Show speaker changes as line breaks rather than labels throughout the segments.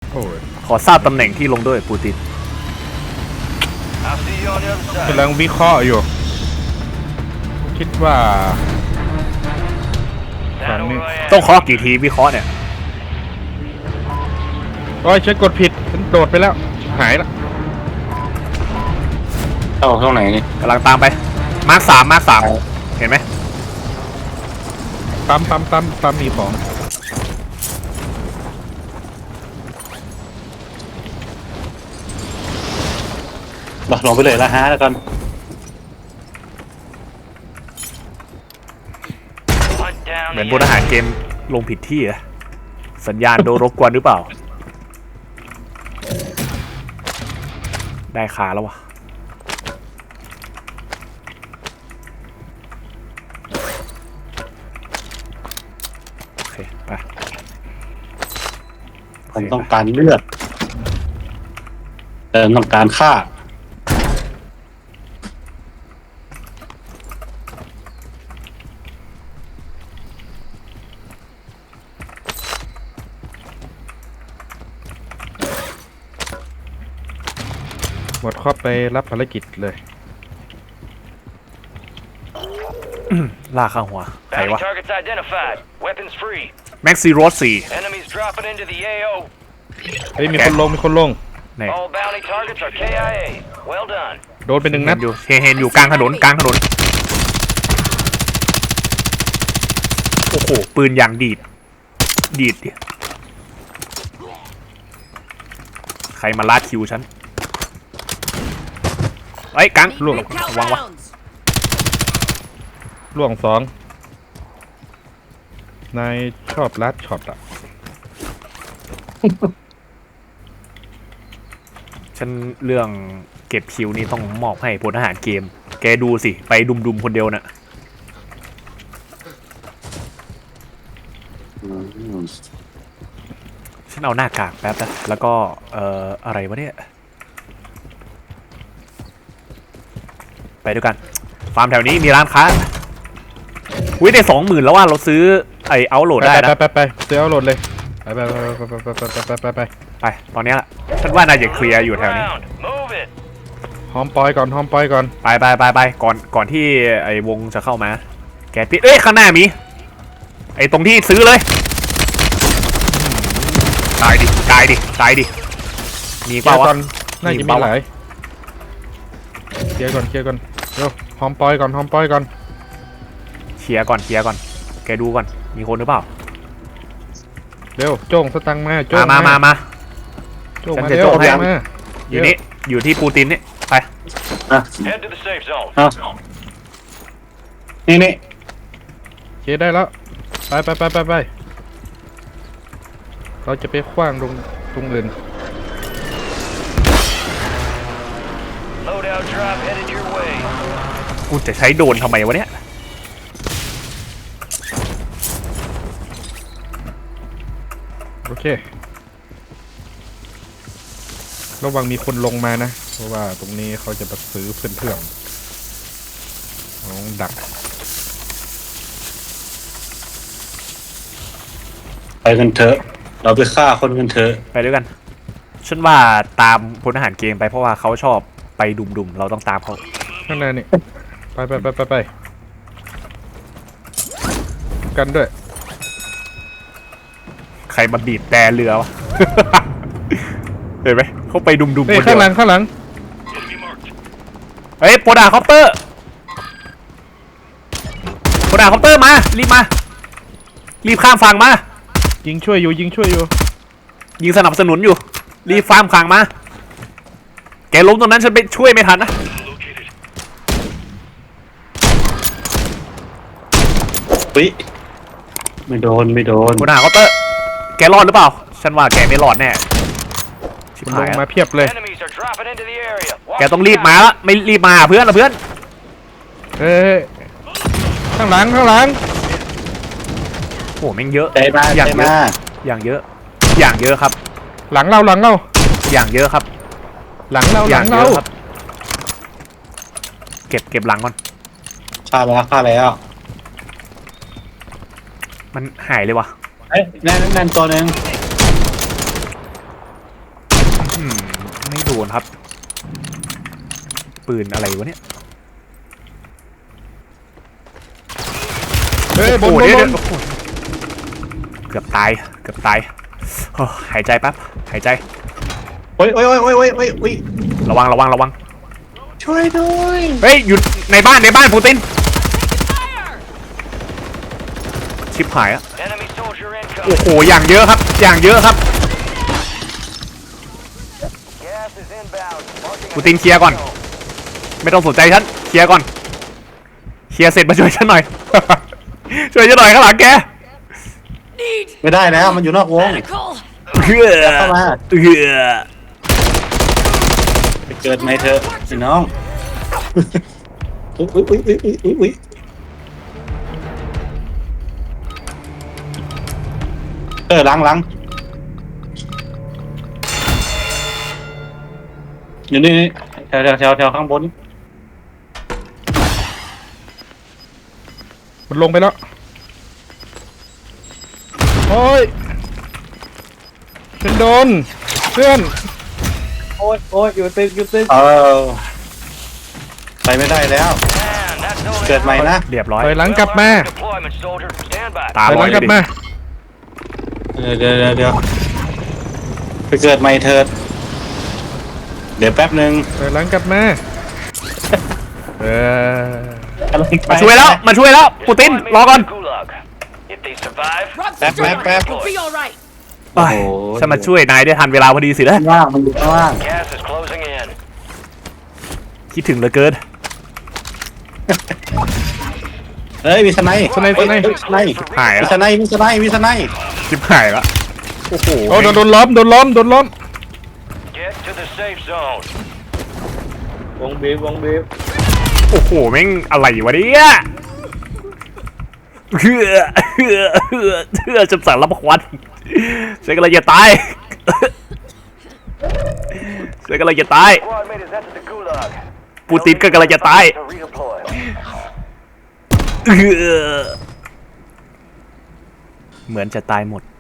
โอ้ย
ขอทราบตำแหน่งที่ลงด้วยปูติน
กำลังวิเคราะห์อยู่คิดว่าฝั่งนี้
ต้องเคาะกี่ทีวิเคราะห์เนี่ย
โอ้ยฉันกดผิดฉันโดดไปแล้วหายละ
เข้าตรงไหนนี่
กำลังตามไปมาร์คสามเห็นไหม
ปั๊มมีของ
ลงไปเลยละฮะแล้วกัน
เหมือนบนอาหารเกมลงผิดที่อะสัญญาณโดนรบกวนหรือเปล่า ได้คาแล้ววะโอเคไป
ผมต้องการเลือดต้องการฆ่า
หมดข้อไปรับภารกิจเลย
ลากข้างหัวใคร
Bounty
วะ
targets identified. Weapons free.
แม็กซี่โรส4
Enemies dropping into the AO.
เฮ้ยมีคนลง
ไหน
All bounty targets are KIA. Well done.
โดนไปหนึ่งนัด
เห็นอยู่กลางถนนโอ้โหปืนอย่างดีดดิใครมาลาดคิวฉันเฮ้ยกังล่วงวางวะ
ล่วงสองนายชอบลัดช็อตอ่ะ
ฉันเรื่องเก็บคิวนี่ต้องมอบให้พลทหารเกมแกดูสิไปดุมคนเดียวน่ะฉันเอาหน้ากากแป๊บนะแล้วก็อะไรวะเนี่ยไปด้วยกันฟาร์มแถวนี้มีร้านค้าอุ้ยได้ 20,000แล้วว่าเราซื้อไอเอาโหลดได้นะ
ไปซื้อเอาโหลดเลยไป
ตอนนี้ละฉันว่าน่าจะเคลียร์อยู่แถวนี้
Round. Move it.
หอมปอยก่อน
ไปก่อนที่ไอวงจะเข้ามาแกปิดข้างหน้ามีไอตรงที่ซื้อเลยตายดิมี
เคลี
เป
ย
ล่า
ร์
วะ
ก่อนน่าจะมีหลายเคลียร์ก่อนเร็วหอมปอยก่อน
เคลียร์ก่อนแกดูก่อนมีคนหรือเปล่า
เร็วโจ้งสตังค์มาโจ้ง
มา
โจ้ง
ฉัน
มา
จะ
เร็ว
โจ้งให้
มา
อยู่นี่อยู่ที่ปูตินนี่ไป
Head to the safe zone.
นี่
เคลียร์ได้แล้วไปเราจะไปขว้างตรงอื่น
Loadout drop headed your way.
กูจะใช้โดรนทำไมวะเนี่ย
โอเคระวังมีคนลงมานะเพราะว่าตรงนี้เขาจะมาซื้อเพื่อนน้องดัก
ไปกันเถอะเราไปฆ่าคนกันเถอะ
ไปด้วยกันฉันว่าตามพลทหารเกมไปเพราะว่าเขาชอบไปดุมเราต้องตามเขา
ข้างในนี่ไปกันด้วย
ใครมาบีบแต่เรือวะ เห็นไหมเขาไปดุม
เฮ้ย
คนเดี
ข้า
ยว
งหลัง
เฮ้ยโปรดาคอปเตอร์มารีบข้ามฝั่งมา
ยิงช่วยอยู่
ยิงสนับสนุนอยู่รีบข้ามฝั่งมาแกล้มตรงนั้นฉันไปช่วยไม่ทันนะ
ปิ๊ไม่โดน
โปรดาคอปเตอร์แกรอดหรือเปล่าฉันว่าแกไม่รอดแน่ชิบ
มันล
หาย
ง
อะ
มาเพียบเลย
Enemies are dropping into the area.
แกต้องรีบมาละไม่รีบมาเพื่อน
เฮ้ยข้างหลัง
โอ้แม่งเยอะ
ใจมา
อย่าง
ใจ
เย
มา
อะอย่างเยอะครับ
หลังเรา
อย่างเยอะครับ
อย่างเยอะ
เก็บหลังก่อน
ฆ่าแล้ว
มันหายเลยวะ
นั่นตัวนึง
ไม่โดนครับ ปืนอะไรวะเนี่ย
เฮ้ยบน
โอ้
บ
โห
น
เดี๋ยว
บ
เดี๋ย
น
วโอ้โหเกือบตายโอ้หายใจแป๊บหายใจ
โอ้ยโอ้ย
ระวัง
ช่วยด้วย
เฮ้ยอยู่ในบ้านปูตินชิบหายอะ
Enemy soldier
โอ้
incoming.
โหอย่างเยอะครับ
Gas is inbound. Marking
ปูตินเคลียร์ก่อน ไม่ต้องสนใจฉันเคลียร์ก่อนเคลียร์เสร็จมาช่วยฉันหน่อย ช่วยฉันหน่อยข้างหลังแก
ไม่ได้แล้วมันอยู่นอกวง
เฮือ
เข้ามา
เฮือ
ไปเกิดไหมเธอะพี่น้องอุ้ยหลังอยู่นี่แถวข้างบน
มันลงไปแล้วโอ้ยฉันโดนเพื่อน
โอ้ยอยู่ตึก
ไปไม่ได้แล้ว
Man, that's no
เกิดใหม่นะ
เรียบร้อย
ถอยหลังกลับมา
deployment, soldier. Stand by.
ตา
ถอย
ล
ห
อ
ลั
ย
ง
เล
กลั
ย
บ
ดิ
มา
เดี๋ยวไปเกิดใหม่เถิดเดี๋ยวแป๊บหนึ่ง
ถอยหลังกลับมาเออ
มาช่วยแล้วปูติน
Deploy me
รอก่อน
to the Gulag. If they survive,
Bap.
You'll be all right.
โอ้ยฉันมาช่วยนายได้ทันเวลาพอดีสินะ
ข้างล่างมันอยู่ข้างล่าง
gas is closing in.
คิดถึงเหลือเกิน
เฮ้ยมีสไนป์
สไนป์
หายแล้ว
มีสไนป์
ชิบหายแล้วโอ้โห
โอ้โดนล้อม
Get to the safe zone.
วงบีบ
โอ้โหแม่งอะไรวะเนี่ยเฮือจำสั่งรับควันฉันกำลังจะตาย
Squad mate has entered the Gulag.
ปูตินก็กำลังจะตาย
To redeploy.
เหมือนจะตายหมด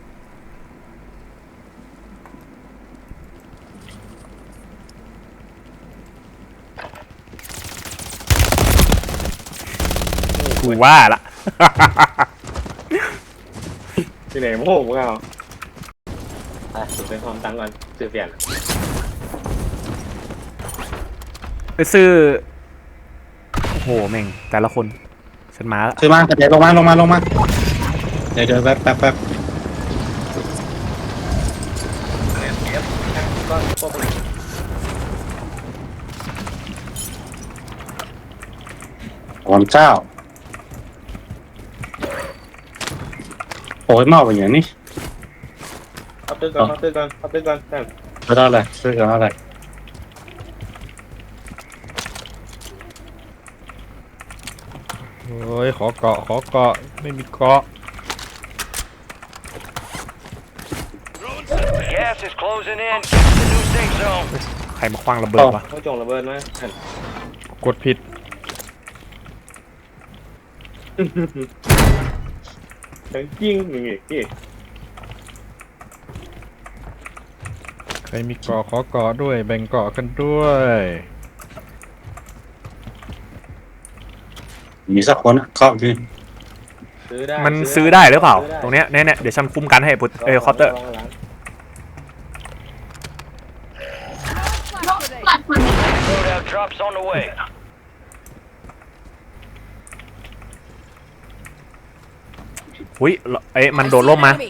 กูว่าละ
ที่ไหนโม่พวกเราสุดเป็นความตังก่อนซื้อเปลี่ยน
ไปซื้อ โอ้โหแม่งแต่ละคน ฉันมาละ
คือมาเดี๋ยวลงมาเดี๋ยวแป๊บ
ก็พวก
วันเจ้าโอ้ยเมาไปอย่างนี้
เอาตึกก่อนแต่
ไม่ได้เลยซื้อกันอะไร
โอ้ยขอเกาะไม่มีเกาะ
Gas is closing in. Get to the new safe zone.
ใครมาคว้างระเบิดวะ
เขาจงระเบิดไหม
กดผิด
ทั้งจริงอย่างงี้พี่
ใครมีเกาะขอเกาะด้วยแบ่งเกาะกันด้วย
มีสักคนเคาะคือ
ซื้อได้
มันซื้อได้หรือเปล่า ตรงเนี้ยเนี่ยเดี๋ยวฉันคุ้มกันให้พุทคอปเตอร์
Loadout drops on the way.
อุ้ยมันโดนล่มมา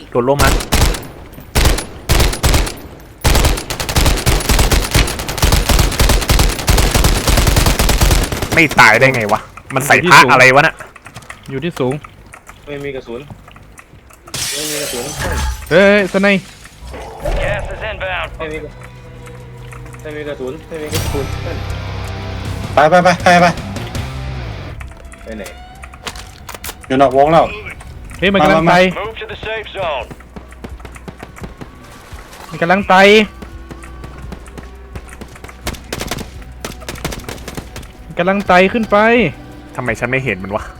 ไม่ตายได้ไงวะ มันใส่ผ้าอะไรวะน่ะ
อยู่ที่สูง
ไม่มีกระสุน
เฮ้ยสไนป์
Gas is inbound.
ไม่มีกระสุน
ไป
ไปไหน
อยู่นอกวงแล้ว
เฮ้ยมันกำลังไป
Move to the safe zone.
มันกำลังไปขึ้นไป
ทำไมฉันไม่เห็นมันวะ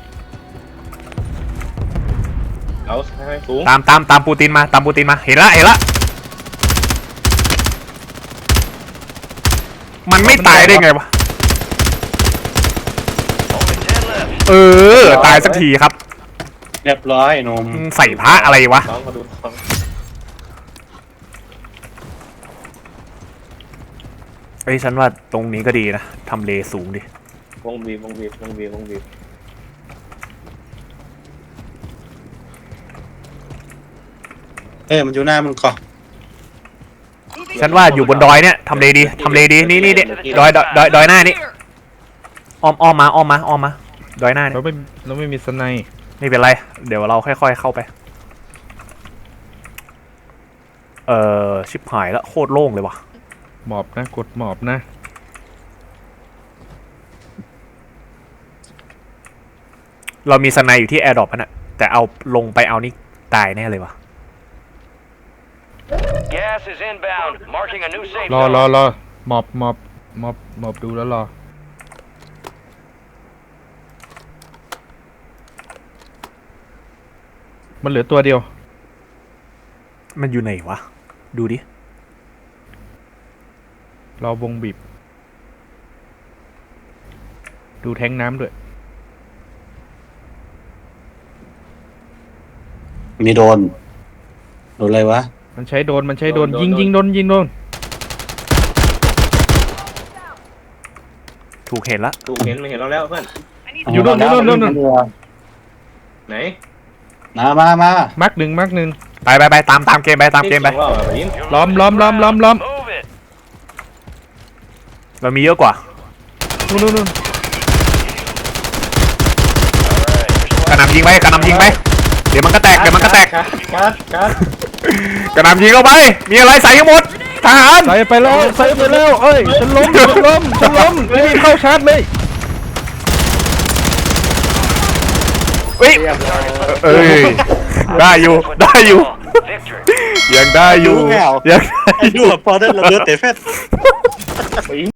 เอาให้สูง
ตามปูตินมา เห็นละมันไม่ตายได้ไงวะ
Only 10 left.
เออ ตายสักทีครับ
เรียบร้อยหนม
ใส่พระอะไรวะ
น้องมาดูน้อง
เอ้ยฉันว่าตรงนี้ก็ดีนะทำเลสูงดิ
วงบีบวงบีบวงบีบวงบีบ
มันอยู่หน้ามึงก่อน
ฉันว่าอยู่บนดอยเนี่ยทำเลดีทำเลดีนี่ดอยหน้านี่อ้อมมาดอยหน้านี่
เราไม่มีสไนป์
ไม่เป็นไร เดี๋ยวเราค่อยๆเข้าไป ชิบหายแล้วโคตรโล่งเลยว่ะ
หมอบนะกดหมอบนะ
เรามีสไนอยู่ที่แอร์ดรอปน่ะแต่เอาลงไปเอานี่ตายแน่เลยว่ะ
Gas is inbound. Marking a new safe
รอ
zone.
หมอบดูแล้วรอมันเหลือตัวเดียว
มันอยู่ไหนวะ ดูดิ
รอวงบีบดูแทงน้ำด้วย
มีโดนอะไรวะ
มันใช้โดนยิงโดน
ถูกเห็นละ
ดูเห็นไม่เห็นเราแล้วเพื่อน
อยู่โน่น ไหน
มา
มาร์กหนึ่ง
ไปตามเกมไปตามเกมไป
ว่าแบบนี้
ล้อม
Move it.
เรามีเยอะกว่า
นู่น
All right. Your
กระ
squad
หน่ำยิงไป เดี๋ยวมันก็แตก
การ
กระหน่ำยิงเข้าไป มีอะไรใส่ให้หมด ทหาร
ใส่ไปแล้วเอ้ยฉันล้มรีบเข้าชาร์จเลย
เอ้ยได้อยู่
victory.
ยังได้อยู่
ดูแมว
ยัง
ไอ้ดูพอได้ระเบิดเตะเฟส